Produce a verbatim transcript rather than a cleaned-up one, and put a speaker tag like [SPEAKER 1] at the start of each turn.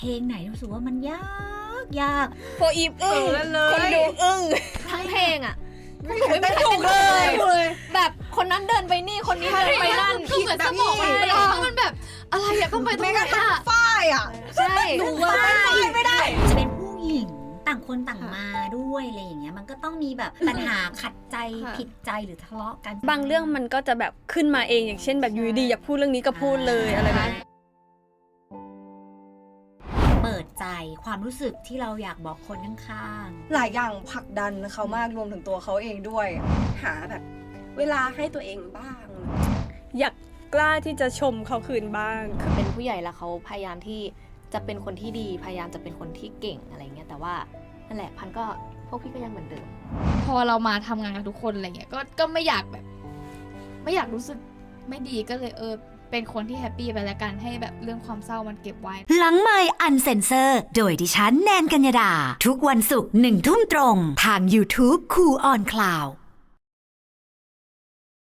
[SPEAKER 1] เพลงไหนรู้สึกว่ามันยากยาก
[SPEAKER 2] โฟอีฟอึ้งคนดูอึ้ง
[SPEAKER 3] ทั้งเพลงอ่ะ
[SPEAKER 2] ไม่ถูกเลยแบบคนนั้นเดินไปนี่คนนี้เดินไปนั่น
[SPEAKER 4] คือเหมือนสมองมันเปลี่ยนมันแบบอะไรอะต้องไปตรงไหนอะ
[SPEAKER 5] ฝ้ายอ่ะ
[SPEAKER 2] ใช่
[SPEAKER 5] หนูว่าฝ้ายไม่ได้
[SPEAKER 1] จะเป็นผู้หญิงต่างคนต่างมาด้วยอะไรอย่างเงี้ยมันก็ต้องมีแบบปัญหาขัดใจผิดใจหรือทะเลาะกัน
[SPEAKER 3] บางเรื่องมันก็จะแบบขึ้นมาเองอย่างเช่นแบบอยู่ดีๆอยากพูดเรื่องนี้ก็พูดเลยอะไรแบบนี้
[SPEAKER 1] เปิดใจความรู้สึกที่เราอยากบอกคนข้าง
[SPEAKER 5] หลายอย่างผลักดันเขามากรวมถึงตัวเขาเองด้วย หาแบบเวลาให้ตัวเองบ้าง
[SPEAKER 3] อยากกล้าที่จะชมเขาคืนบ้าง
[SPEAKER 6] เป็นผู้ใหญ่แล้วเขาพยายามที่จะเป็นคนที่ดีพยายามจะเป็นคนที่เก่งอะไรเงี้ยแต่ว่านั่นแหละพันก็พวกพี่ก็ยังเหมือนเดิม
[SPEAKER 4] พอเรามาทำงานกับทุกคนอะไรเงี้ยก็ก็ไม่อยากแบบ ไม่อยากรู้สึกไม่ดีก็เลยเออเป็นคนที่แฮปปี้ไปแล้วกันให้แบบเรื่องความเศร้ามันเก็บไว้
[SPEAKER 7] หลังไมค์อันเซนเซอร์โดยดิฉันแนนกัญญาดา ทุกวันศุกร์หนึ่งทุ่มตรงทาง YouTube คูออนคลาว